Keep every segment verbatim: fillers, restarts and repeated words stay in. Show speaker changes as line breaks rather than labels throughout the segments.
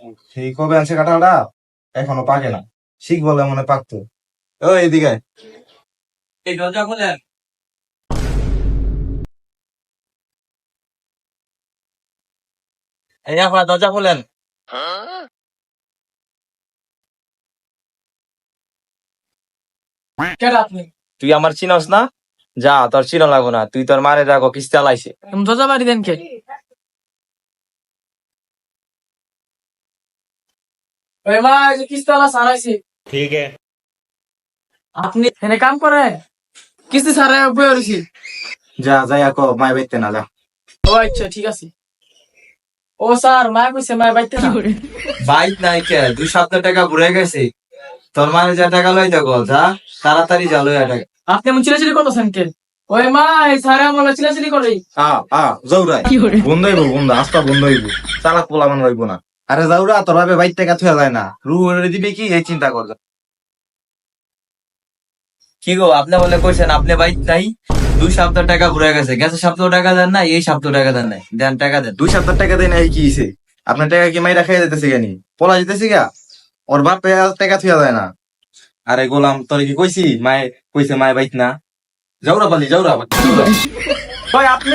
সেই কবে আনছে কাঁঠালটা এখনো পাকে না, শিখ বলে মনে পাকতো। ও এদিকে
এই দরজা খুলেন। এই আপা দরজা খুলেন।
কেন আপনি
তুই আমার চিনস না? যা, তোর চিনো লাগবো না, তুই তোর মারে রাখো কিস্তি আলাইছে।
দরজা বাড়ি দেন কে? ওই মা এই যে কিস্তালা সারাইছি।
ठीक है।
আপনি এখানে কাম করেন? কিস্তি সারাই বই রইছি।
যা যাই আকো মায় বাইতে না যা।
ও আচ্ছা ঠিক আছে। ও স্যার মা কইছে মা বাইতে না।
বাইক নাই কে, দুই সপ্তাহ টাকা ঘুরে গেছে। তোর মারে যা টাকা লই দেখো, যা তাড়াতাড়ি যা লই টাকা।
আপনি এমন চিলাচিলি করতেছেন কে? ওই মা এই সারে আমার চিলাচিলি করে।
আ আ যাউরাই বন্ধ হইব, বন্ধ আস্তা বন্ধ হইব, চালাক পোলা মান হইব না। আরে যাউরা তোর ভাবে বাইর টাকা থুয়া যায় না, রু দিবে কি এই চিন্তা কর।
কি গো, আপনি বলে কইছেন আপনি বাইক নাই, দুই সপ্তাহ টাকা ঘুরে গেছে, গেছে সপ্তাহ টাকা দেন না, এই সপ্তাহ টাকা দেন নাই, দেন টাকা দেন।
দুই সপ্তাহ টাকা দেয় না এই কি হইছে? আপনার টাকা কি মাইরা খাইয়া যেতেছে কেনি? পোলা যেতেছে গা, ওর বাপ টাকা থুয়া যায় না। আরে গোলাম তোর কি কইছি মায় কইছে মায় বাইত না, যাউরা পালি যাউরা পালি।
ওই আপনি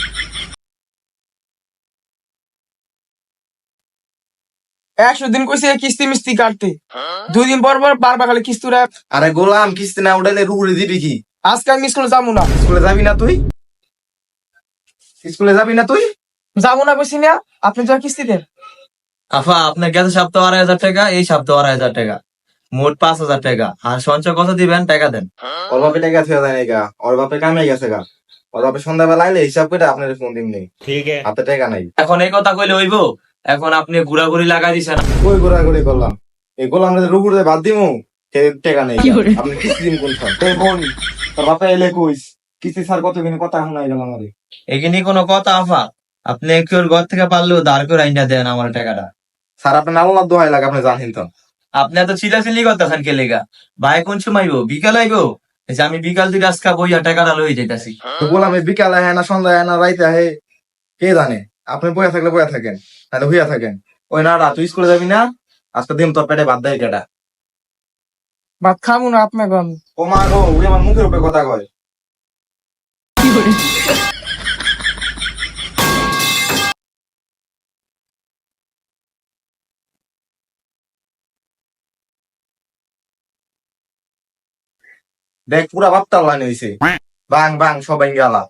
একশো দিন কইছে কিস্তি মিস্তি কাটতে, দুই দিন পর পর বারবার খালি কিস্তুরা।
আরে গোলাম কিস্তি না উঠাইলে রুহুরে দিবি কি?
আজকে আমি স্কুলে যাবো না।
স্কুলে যাবি না তুই? স্কুলে যাবি না তুই?
যাবো না কইছি না, আপনি যা কিস্তি দেন।
আফা আপনার গেছে সপ্তাহ আড়াই হাজার টাকা, এই সপ্তাহ আড়াই হাজার টাকা, মোট পাঁচ হাজার টাকা। আর সঞ্চয় কত দিবেন টাকা দেন।
ওর বাপে টাকা থুয়া যায় না গা, ওর বাপে কামে গেছে গা। ওর বাপে সন্ধ্যাবেলা আইলে হিসাব করে আপনার ফোন দিন নেই,
ठीक है।
হাতে টাকা নাই।
এখন এই কথা কইলে হইব? এখন আপনি ঘুরাঘুরি লাগাই দিছেন।
কই ঘোরাঘুরি করলাম? এই গোলাম রুহুরে বাদ দিমু, সে টাকা নেই। আপনি কিস্তি দিন কোন সব? এই বোন তোর বাপে এলে কইস কিস্তি স্যার কত কিনে কথা শোনাই গেল আমারে।
এখানে কোনো কথা আফা? আপনি কেউ ঘর থেকে পারলেও দাঁড় করে আইনা দেন আমার টাকাটা।
স্যার আপনি আল্লাহ দোহাই লাগে আপনি জানেন তো।
আপনি এত চিলাচিলি করতেছেন কে লেগা? ভাই কোন সময় আইবো? বিকাল আইবো? এই যে আমি বিকাল থেকে আজকা বইয়া টাকাটা লই যাইতাছি।
তো গোলাম এই বিকালে আহে না সন্ধ্যায় আহে না রাইতে আহে, কে জানে? আপনি বইয়া থাকলে বইয়া থাকেন, তাহলে হইয়া থাকেন। ওই না তুই স্কুলে যাবি না, আজকে দিন তোর পেটে বাদ দেয় কেটা।
ভাত খাবো না আপনি গন।
ও মা গো, উনি আমার মুখের উপরে কথা কয়। দেখ পুরা বাপ্তার লাইন হইছে, বাং বাং সবাই গেলা।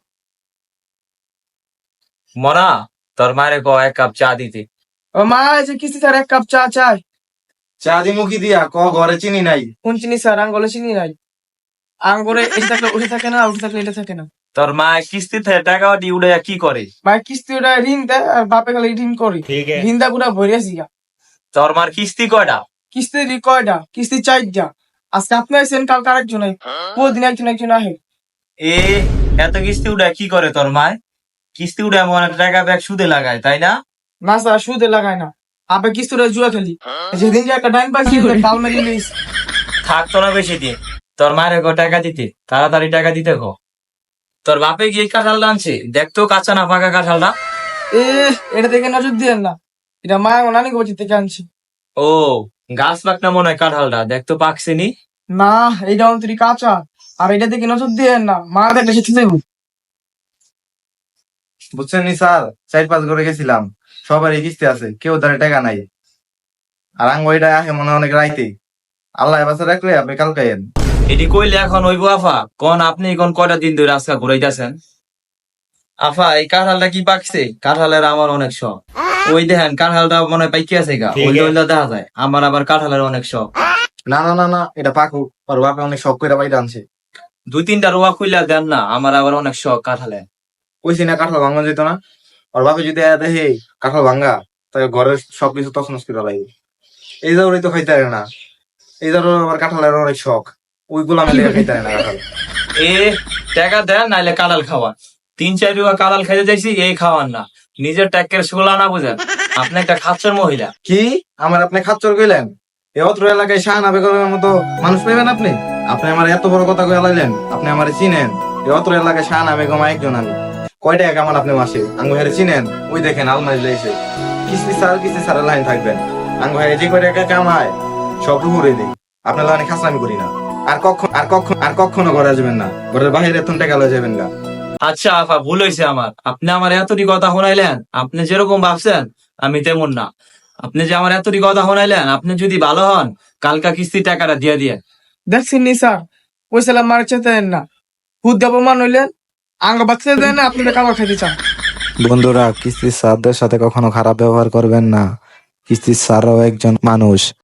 মনা, তোর মারে ক এক কাপ চা দিতে।
ও মা এই যে কিস্তি স্যার এক কাপ চা চাই।
চা দি মুখি দিয়া ক ঘরে চিনি নাই।
কোন চিনি স্যার? আঙ্গলে চিনি নাই। আঙ্গরে এটা থাকলে উঠে থাকে না, উঠে থাকলে এটা থাকে না।
তোর মা কিস্তিতে টাকা দিয়ে উড়ে কি করে?
ভাই কিস্তি ওটা ঋণ দেয় আর বাপে খালি ঋণ করে।
ठीक है।
ঋণ দা পুরা ভরিয়াছি গা।
তোর মার কিস্তি কয়টা?
কিস্তি দি কয়টা? কিস্তি চারটা। আজকে আপনি আইসেন, কাল আরেকজন আই, প্রতিদিন একজন একজন আহে।
এ এত কিস্তি উড়ে কি করে তোর মায়? কিস্তি উড়ে এমন একটা টাকা ব্যাগ সুদে লাগায়, তাই না?
না স্যার সুদে লাগায় না, আপে কিস্তিটা জুয়া খেলি। যেদিন যে একটা ডাইন পাইছি তাল মেরি লইস।
থাকতো না বেশি দিন, তোর মায়ের গো টাকা দিতে, তাড়াতাড়ি টাকা দিতে গো। তোর বাপে গিয়ে কাঁঠাল আনছে, দেখতো কাঁচা না পাকা কাঁঠালটা।
এ এটা দেখে নজর দিয়েন না, এটা মা ও নানি গোছি থেকে আনছি।
ও গাছ পাকনা মনে হয় কাঁঠালটা, দেখতো পাকছেনি।
না এইটা অন্তরি কাঁচা, আর এটা দেখে নজর দিয়েন না, মা দেখলে সে দেবো।
বুঝছেন নি স্যার, চার পাঁচ ঘরে গেছিলাম, সবারই কিস্তি আছে, কেউ তার টাকা নাই। আর আঙ্গ ওইটা আহে মনে হয় অনেক রাইতে। আল্লাহ বাসা রাখলে আপনি কালকে আইয়েন।
এটি কইলে এখন হইব আফা? কোন আপনি কোন কয়টা দিন ধরে আজকা ঘুরাইতেছেন? আফা এই কাঁঠালটা কি পাকছে? কাঁঠালের আমার অনেক শখ। ওই দেখেন কাঁঠালটা মনে হয় পাইকে আছে গা, ওই ওইটা দেখা যায়। আমার আবার কাঁঠালের অনেক শখ।
না না না না, এটা পাকু, ওর বাপে অনেক শখ করে বাইরে আনছে।
দুই তিনটা রোয়া খুইলা দেন না, আমার আবার অনেক শখ কাঁঠালের।
কইছি না কাঁঠাল ভাঙা যেত না? ওর বাপে যদি আয়া দেখে কাঁঠাল ভাঙ্গা, তাহলে ঘরের সবকিছু তছনছ করে লাগবে। এই জাউরি তো খাইতে পারে না, এই জাউর আবার কাঁঠালের অনেক শখ, ওইগুলো আমি লেগে খাইতে পারে না কাঁঠাল।
এ টাকা দেন নাইলে কাঁঠাল খাওয়ান। তিন চার রুয়া কাঁঠাল খাইতে চাইছি, এই খাওয়ান না। নিজের ট্যাকের শোলা না বুঝেন, আপনি একটা খাচ্চর মহিলা।
কি আমার আপনি খাচ্চর কইলেন? এ অত্র এলাকায় শাহানা বেগমের মতো মানুষ পাইবেন আপনি? আপনি আমার এত বড় কথা কয়ে লাইলেন, আপনি আমার চিনেন? এ অত্র এলাকায় শাহানা বেগম একজন আমি। কয়টা এক আমার আপনি মাসে আঙ্গু হেরে চিনেন? ওই দেখেন আলমারি লাইছে, কিস্তি স্যার কিস্তি স্যারের লাইন থাকবেন। আঙ্গ ভাই যে করে টাকা কামায় সব ঘুরে দেই আপনার লাগে খাসলামি করি না আর কখন আর কখন আর কখনো ঘরে আসবেন না ঘরের বাইরে এত টাকা লয়ে যাবেন গা
আচ্ছা আফা ভুল হয়েছে আমার, আপনি আমার এতটি কথা শোনাইলেন, আপনি যেরকম ভাবছেন আমি তেমন না। আপনি যে আমার এতটি কথা শোনাইলেন, আপনি যদি ভালো হন কালকা কিস্তির টাকাটা দিয়ে দিয়ে।
দেখছেন নি স্যার, ওই সালাম মার চেতে দেন না, হুদ দেবমান হইলেন, আঙ্গ বাচ্চা দেন না, আপনি কাবার খাইতে চান।
বন্ধুরা, কিস্তির স্যারদের সাথে কখনো খারাপ ব্যবহার করবেন না। কিস্তির স্যারও একজন মানুষ।